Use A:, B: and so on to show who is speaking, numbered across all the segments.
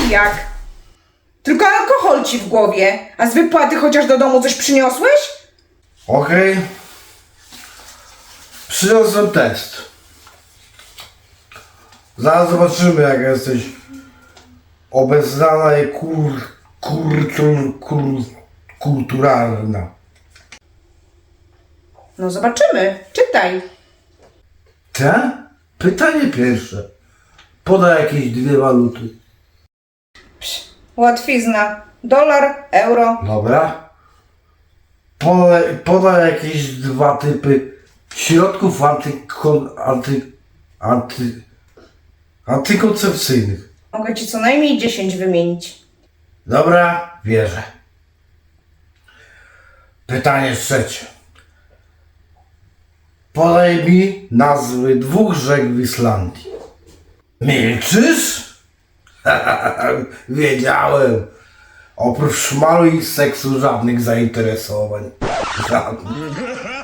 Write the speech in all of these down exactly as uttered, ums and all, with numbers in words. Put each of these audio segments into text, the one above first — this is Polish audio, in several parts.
A: jak jak? Tylko alkohol ci w głowie, a z wypłaty chociaż do domu coś przyniosłeś?
B: Okej. Przyniosłem test. Zaraz zobaczymy, jak jesteś obeznana i kur, kultur, kur, kulturalna.
A: No zobaczymy, czytaj.
B: Te? Pytanie pierwsze. Podaj jakieś dwie waluty.
A: Łatwizna. Dolar, euro.
B: Dobra. Podaj, podaj jakieś dwa typy środków antykon, anty, anty, antykoncepcyjnych.
A: Mogę ci co najmniej dziesięć wymienić.
B: Dobra, wierzę. Pytanie trzecie. Podaj mi nazwy dwóch rzek w Islandii. Milczysz? Wiedziałem. Oprócz szmalu i seksu żadnych zainteresowań. Żadnych.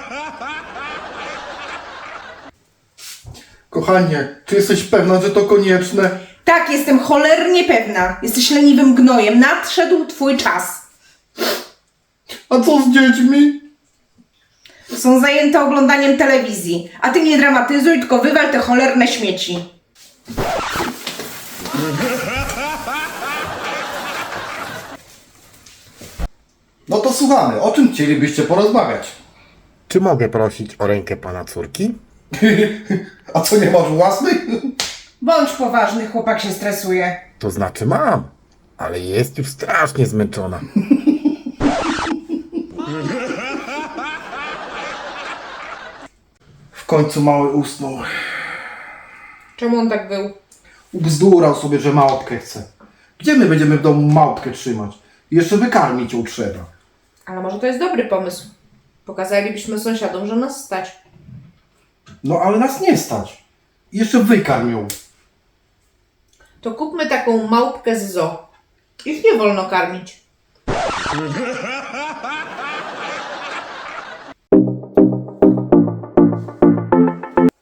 C: Kochanie, czy jesteś pewna, że to konieczne?
A: Tak, jestem cholernie pewna. Jesteś leniwym gnojem. Nadszedł twój czas.
C: A co z dziećmi?
A: Są zajęte oglądaniem telewizji. A ty nie dramatyzuj, tylko wywal te cholerne śmieci.
C: No to słuchamy, o czym chcielibyście porozmawiać?
D: Czy mogę prosić o rękę pana córki?
C: A co, nie masz własnych?
A: Bądź poważny, chłopak się stresuje.
D: To znaczy mam, ale jest już strasznie zmęczona.
C: W końcu mały usnął.
A: Czemu on tak był?
C: Ubzdurał sobie, że małpkę chce. Gdzie my będziemy w domu małpkę trzymać? Jeszcze wykarmić ją trzeba.
A: Ale może to jest dobry pomysł. Pokazalibyśmy sąsiadom, że nas stać.
C: No ale nas nie stać. Jeszcze wykarm ją.
A: To kupmy taką małpkę z zoo. Ich nie wolno karmić.